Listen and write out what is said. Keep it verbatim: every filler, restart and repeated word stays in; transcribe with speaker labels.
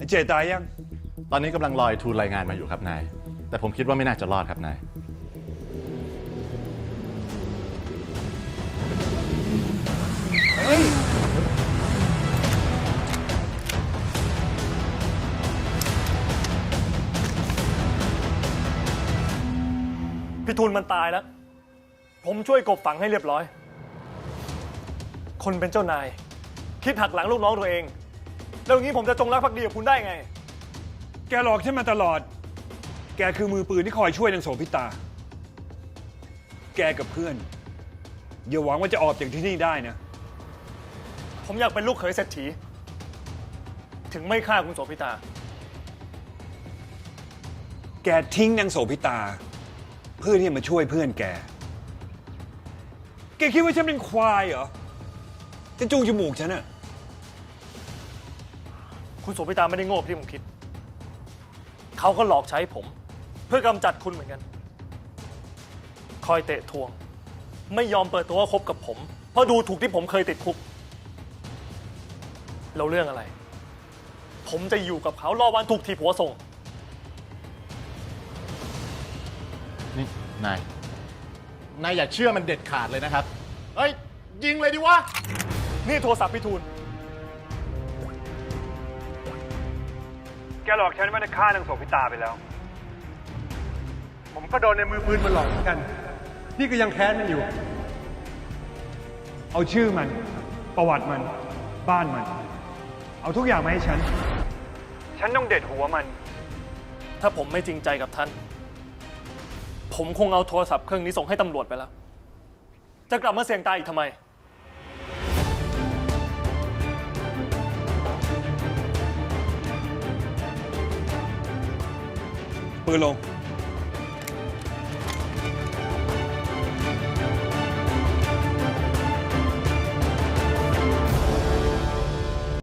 Speaker 1: เจตายยัง
Speaker 2: ตอนนี้กำลังรอไอ้ทูลรายงานมาอยู่ครับนาย แต่ผมคิดว่าไม่น่าจะรอดครับนาย
Speaker 1: เฮ้ย
Speaker 3: พี่ทูลมันตายแล้ว ผมช่วยกบฝังให้เรียบร้อย คนเป็นเจ้านาย คิดหักหลังลูกน้องตัวเอง แล้วอย่างนี้ผมจะจงรักภักดีกับคุณได้ไง
Speaker 1: แกหลอกฉันมาตลอด แกคือมือปืนที่คอยช่วยนางโสภิตา แกกับเพื่อนอย่าหวังว่าจะออกจากที่นี่ได้นะ
Speaker 3: ผมอยากเป็นลูกเขยเศรษฐี ถึงไม่ฆ่าคุณโสภิตา
Speaker 1: แกทิ้งนางโสภิตา เพื่อที่จะมาช่วยเพื่อนแก แกคิดว่าฉันเป็นควายเหรอ จะจูงจมูกฉันอะ
Speaker 3: คุณโสภิตาไม่ได้โง่ที่ผมคิด เขาก็หลอกใช้ผม เพื่อกำจัดคุณเหมือนกัน คอยเตะทวง ไม่ยอมเปิดตัวว่าคบกับผม เพราะดูถูกที่ผมเคยติดคุกแล้วเรื่องอะไร ผมจะอยู่กับเขารอวันถูกถีบหัวส่ง
Speaker 2: นี่นาย นายอย่าเชื่อมันเด็ดขาดเลยนะครับ เฮ้ย ยิงเลยดิวะ
Speaker 3: นี่โทรศัพท์พี่ทูล
Speaker 1: แกหลอกฉันว่าจะฆ่านางโสภิตาไปแล้ว
Speaker 4: ผมก็โดนในมือปืนมันหลอกเหมือนกัน นี่ก็ยังแค้นมันอยู่
Speaker 1: เอาชื่อมัน ประวัติมัน บ้านมัน เอาทุกอย่างมาให้ฉัน ฉันต้องเด็ดหัวมัน
Speaker 3: ถ้าผมไม่จริงใจกับท่าน ผมคงเอาโทรศัพท์เครื่องนี้ส่งให้ตำรวจไปแล้ว จะกลับมาเสี่ยงตายอีกทำไม
Speaker 1: ปืนลง